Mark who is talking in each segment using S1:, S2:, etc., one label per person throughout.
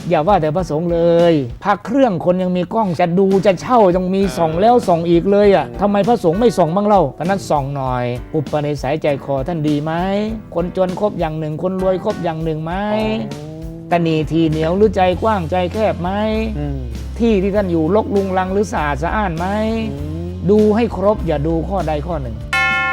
S1: อย่าว่าแต่พระสงฆ์เลยพระเครื่องคนยังมีกล้องจะดูจะเช่ายังมีส่องแล้วส่องอีกเลยอ่ะทำไมพระสงฆ์ไม่ส่องบ้างเล่าเพราะนั้นส่องหน่อยอุปนิสัยใจคอท่านดีไหมคนจนครบอย่างหนึ่งคนรวยครบอย่างหนึ่งไหมตนีทีเหนียวหรือใจกว้างใจแคบไหมที่ที่ท่านอยู่รกรุงรังหรือสะอาดสะอ้านไหมดูให้ครบอย่าดูข้อใดข้อหนึ่ง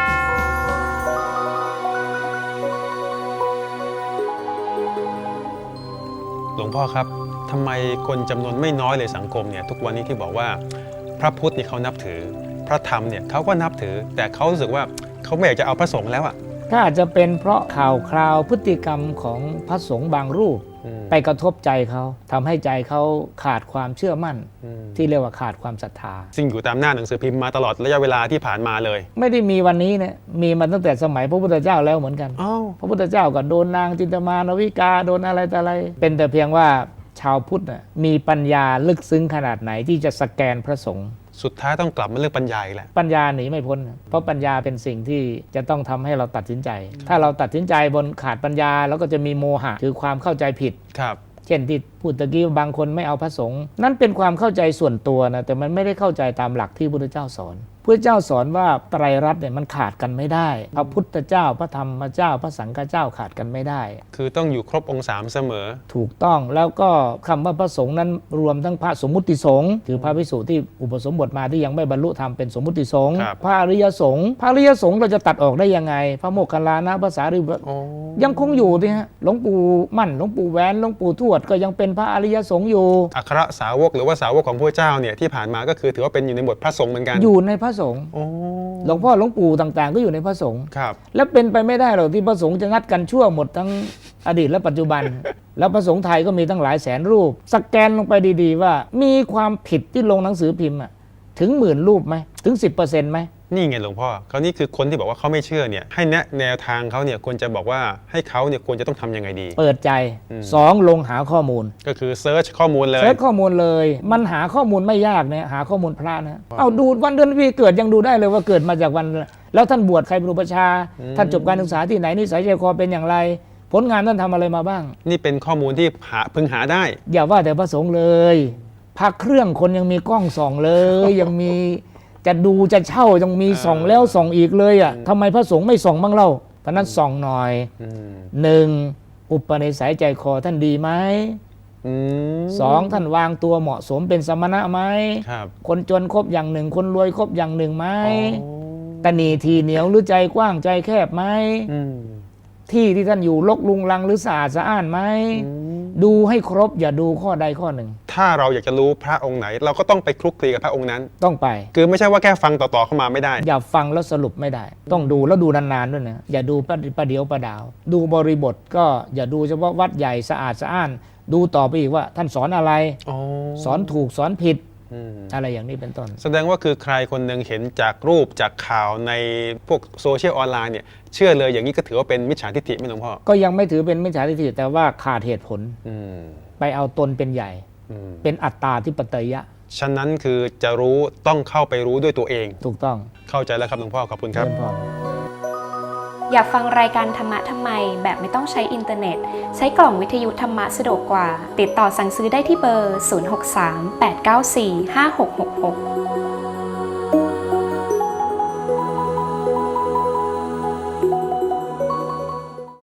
S2: หลวงพ่อครับทำไมคนจำนวนไม่น้อยเลยสังคมเนี่ยทุกวันนี้ที่บอกว่าพระพุทธเนี่ยเขานับถือพระธรรมเนี่ยเขาก็นับถือแต่เขารู้สึกว่าเขาไม่อยากจะเอาพระสงฆ์แล้วอ่ะ
S1: ก็อาจจะเป็นเพราะข่าวคราวพฤติกรรมของพระสงฆ์บางรูปไปกระทบใจเขาทำให้ใจเขาขาดความเชื่อมั่นที่เรียกว่าขาดความศรัทธา
S2: ซึ่งอยู่ตามหน้าหนังสือพิมพ์มาตลอดระยะเวลาที่ผ่านมาเลย
S1: ไม่ได้มีวันนี้นะมีมาตั้งแต่สมัยพระพุทธเจ้าแล้วเหมือนกันพระพุทธเจ้าก็โดนนางจินตมานวิกาโดนอะไรแต่อะไรเป็นแต่เพียงว่าชาวพุทธมีปัญญาลึกซึ้งขนาดไหนที่จะสแกนพระสงฆ์
S2: สุดท้ายต้องกลับมาเรื่องปัญญาอีกแหละ
S1: ปัญญาหนีไม่พ้นเพราะปัญญาเป็นสิ่งที่จะต้องทำให้เราตัดสินใจถ้าเราตัดสินใจบนขาดปัญญาแล้วก็จะมีโมหะคือความเข้าใจผิด
S2: ครับ
S1: เช่นที่พูดตะกี้บางคนไม่เอาพระสงฆ์นั่นเป็นความเข้าใจส่วนตัวนะแต่มันไม่ได้เข้าใจตามหลักที่พระพุทธเจ้าสอนพระเจ้าสอนว่าไตรรัตน์เนี่ยมันขาดกันไม่ได้พระพุทธเจ้าพระธรรมเจ้าพระสังฆเจ้าขาดกันไม่ได้
S2: คือต้องอยู่ครบองค์3เสมอ
S1: ถูกต้องแล้วก็คำว่าพระสงฆ์นั้นรวมทั้งพระสมมุติสงฆ์คือพระภิกษุที่อุปสมบทมาที่ยังไม่บรรลุธรรมเป็นสมมุติสงฆ์พระอริยสงฆ์พระอริยสงฆ์เราจะตัดออกได้ยังไงพระโมคคัลลานะพระสารีบุตรยังคงอยู่ที่ฮะหลวงปู่มั่นหลวงปู่แหวนหลวงปู่ทวดก็ยังเป็นพระอริยสงฆ์อยู่
S2: อัครสาวกหรือว่าสาวกของพระเจ้าเนี่ยที่ผ่านมาก็คือถือว่าเป็นอยู่ในบทพระสงฆ์เหมือนกัน
S1: อยู่ในพระสงฆ์หลวงพ่อหลวงปู่ต่างๆก็อยู่ในพระสงฆ์แล้วเป็นไปไม่ได้หรอกที่พระสงฆ์จะงัดกันชั่วหมดทั้งอดีตและปัจจุบัน แล้วพระสงฆ์ไทยก็มีตั้งหลายแสนรูปสแกนลงไปดีๆว่ามีความผิดที่ลงหนังสือพิมพ์ถึง10,000 รูปไหมถึง 10% ไหม
S2: นี่ไงหลวงพ่อเขานี่คือคนที่บอกว่าเขาไม่เชื่อเนี่ยให้แนะแนวทางเขาเนี่ยควรจะบอกว่าให้เขาเนี่ยควรจะต้องทำยังไงดี
S1: เปิดใจ2ลงหาข้อมูล
S2: ก็คือเซิร์ชข้อมูลเลย
S1: เซิร์ชข้อมูลเลยมันหาข้อมูลไม่ยากเนี่ยหาข้อมูลพระนะเอาดูวันเดือนปีเกิดยังดูได้เลยว่าเกิดมาจากวันแล้วท่านบวชใครเป็นอุปชาท่านจบการศึกษาที่ไหนนิสัยใจคอเป็นอย่างไรผลงานท่านทำอะไรมาบ้าง
S2: นี่เป็นข้อมูลที่พึงหาได้
S1: อย่าว่าแต่พระสงฆ์เลยพระเครื่องคนยังมีกล้องส่องเลยยังมีจะดูจะเช่ายังมีส่องแล้วส่องอีกเลยอ่ะทำไมพระสงฆ์ไม่ส่องบ้างเล่าเพราะนั้นส่องหน่อย1อุปนิสัยใจคอท่านดีไหม2ท่านวางตัวเหมาะสมเป็นสมณะไหมคนจนครบอย่างหนึ่งคนรวยครบอย่างหนึ่งไหมตนีทีเหนียวหรือใจกว้างใจแคบไหมที่ที่ท่านอยู่รกรุงรังหรือสะอาดสะอ้านไหมดูให้ครบอย่าดูข้อใดข้อหนึ่ง
S2: ถ้าเราอยากจะรู้พระองค์ไหนเราก็ต้องไปคลุกคลีกับพระองค์นั้น
S1: ต้องไป
S2: คือไม่ใช่ว่าแค่ฟังต่อๆเข้ามาไม่ได้
S1: อย่าฟังแล้วสรุปไม่ได้ต้องดูแล้วดูนานๆด้วยนะอย่าดูประเดี๋ยวประดาวดูบริบทก็อย่าดูเฉพาะวัดใหญ่สะอาดสะอ้านดูต่อไปอีกว่าท่านสอนอะไรสอนถูกสอนผิดอะไรอย่างนี้เป็นต้น
S2: แสดงว่าคือใครคนหนึ่งเห็นจากรูปจากข่าวในพวกโซเชียลออนไลน์เนี่ยเชื่อเลยอย่างนี้ก็ถือว่าเป็นมิจฉาทิฏฐิไหมหลวงพ่อ
S1: ก็ยังไม่ถือเป็นมิจฉาทิฏฐิแต่ว่าขาดเหตุผลไปเอาตนเป็นใหญ่เป็นอัตตาธิปไตยะ
S2: ฉะนั้นคือจะรู้ต้องเข้าไปรู้ด้วยตัวเอง
S1: ถูกต้อง
S2: เข้าใจแล้วครับหลวงพ่อขอบคุณครับ
S3: อยากฟังรายการธรรมะทำไมแบบไม่ต้องใช้อินเทอร์เน็ตใช้กล่องวิทยุธรรมะสะดวกกว่าติดต่อสั่งซื้อได้ที่เบอร์ 063 894 5666